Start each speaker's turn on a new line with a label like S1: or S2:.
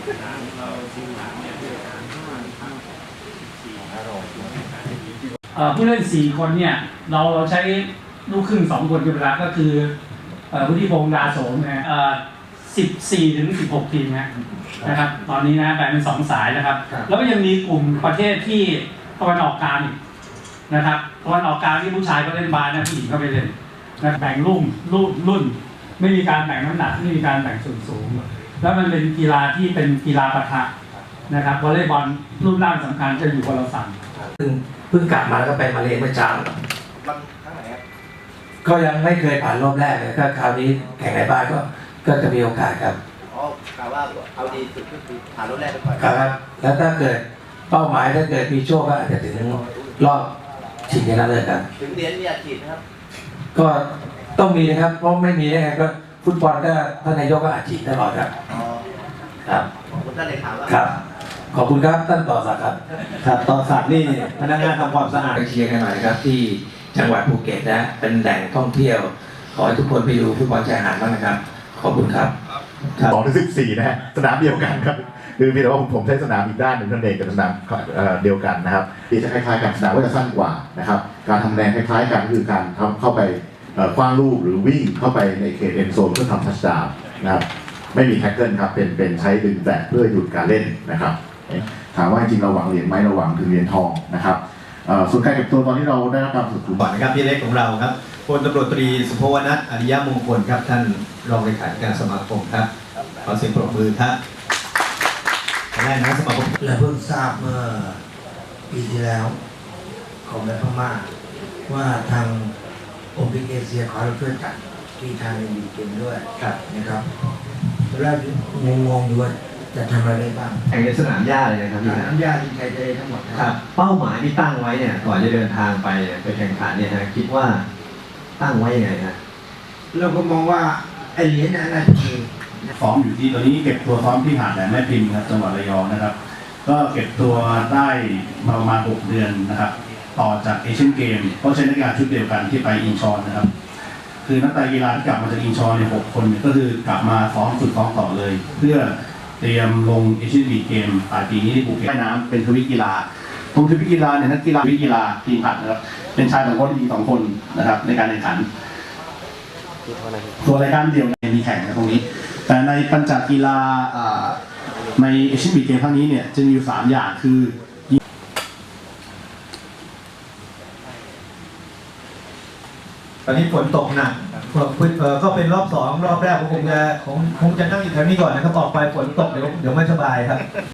S1: ผู้เล่น4คนเนี่ยเราใช้ลูกครึ่ง2คนเป็นหลักก็คือวุฒิพงษ์ดาโสมนะ14 ถึง 16 ทีมนะครับตอนนี้นะแบ่งเป็น2สายนะครับแล้วก็ยังมีกลุ่มประเทศที่ตะวันออกกลางนะครับตะวันออกกลางที่ผู้ชายก็เล่นบาสนะผู้หญิงก็ไปเล่นนะแบ่งรุ่นไม่มีการแบ่งน้ำหนักไม่มีการแบ่งส่วนสูงแล้วมันเป็นกีฬาที่เป็นกีฬาปะทะนะครับวอลเลย์บอลรูปร่างสำคัญจะอยู่คนละฝั่ง
S2: เพิ่งกลับมาแล้วก็ไปมาเลเมื่อเช้าก็ยังไม่เคยผ่านรอบแรกเลยก็คราวนี้แข่งในบ้านก็จะมีโอกาสครับ
S3: อ๋อกล่าวว่าเอาดีสุดก็คือผ่านรอบแรกไปก่อน
S2: ครับแล้วถ้าเกิดเป้าหมายถ้าเกิดมีโชคก็อาจจะถึงรอบชิงชนะเลิศครับ
S3: ถึงเหรียญมีอาชีพนะครับ
S2: ก็ต้องมีนะครับเพราะไม่มีได้ไงก็ฟุตบอลก็ท่านนายกก็อาชีพตลอดครับครับ
S3: ขอบคุณท่านเลขา
S2: ครับขอบคุณครับท่านต่อศักดิ์ครับ
S4: ครับต่อศักดิ์นี่พนักงานทำความสะอาด
S2: ไปเชียร์กันหน่อยครับที่จังหวัดภูเก็ตนะเป็นแหล่งท่องเที่ยวขอให้ทุกคนไปดูฟุตบอลชายหาดบ้างนะครับขอบคุณครับ
S5: 2 ถึง 14นะฮะสนามเดียวกันครับคือเพียงแต่ว่าผมใช้สนามอีกด้านหนึ่งท่านเองกับสนามเดียวกันนะครับที่จะคล้ายๆกันสนามก็จะสั้นกว่านะครับการทำแรงคล้ายๆกันคือการเข้าไปคว้างลูกหรือวิ่งเข้าไปในเขตเอ็นโซนเพื่อทำทัชดาวน์นะครับไม่มีแท็กเกิลครับเป็นใช้ดึงแตะเพื่อหยุดการเล่นนะครับถามว่าจริงเราหวังเหรียญไหมเราหวังถึงเหรียญทองนะครับส่วนการเก็บตัวตอนที่เราได้รับการฝึกฝน
S4: ก่อนนะครับพี่เล็กของเราครับพลตำรวจตรีสุภวนัทอริยมงคลครับท่านรองเลขาธิการสมาคมครับขอเสียงปรบมือครับแรกนะสมาคม
S6: และเพิ่งทราบเมื่อปีที่แล้วของในพม่าว่าทางองค์การเอเชียขอเราช่วยจัดที่ทางมีเกมด้วยนะครับแล้วงงอยู่ว่าจะทำอะไรได้บ้าง
S4: แข่งในสนามหญ้าเลยนะครับ
S6: สนามหญ้าที่ใช้ได้ทั้งหมด
S4: ครับเป้าหมายที่ตั้งไว้เนี่ยก่อนจะเดินทางไปแข่งขันเนี่ยนะคิดว่าตั้งไว้ยังไงฮะ
S6: เราก็มองว่าไอเหรียญอะไรคือ
S7: ซ้อมอยู่ที่ตอนนี้เก็บตัวซ้อมที่หาดแหลมแม่พิมพ์ครับจังหวัดระยองนะครับก็เก็บตัวได้มาประมาณ6 เดือนนะครับต่อจากเอเชียนเกมก็ใช้นักกีฬาชุดเดียวกันที่ไปอินชอนนะครับคือนักกีฬาที่กลับมาจากอินชอนใน6 คนก็คือกลับมาฝึกซ้อมต่อเลย เพื่อเตรียมลงเอเชียนบีเกมปลายปีนี้ที่ภูเก็ตว่ายน้ำเป็นทวิกีฬาตรงทวิกีฬาเนี่ยนักกีฬาทวิกีฬาทีมผัดนะครับเป็นชาย2 คนหญิง2 คนนะครับในการแข่งขันตัวรายการเดียวมีแข่งในตรงนี้แต่ในปัญจกีฬาในเอเชียนบีเกมครั้งนี้เนี่ยจะมีอยู่3 อย่างคือ
S4: ตอนนี้ฝนตกหนักก็เป็นรอบ2 รอบแรกคงจะนั่งอยู่แถวนี้ก่อนนะครับออกไปฝนตกเดี๋ยวไม่สบายครับ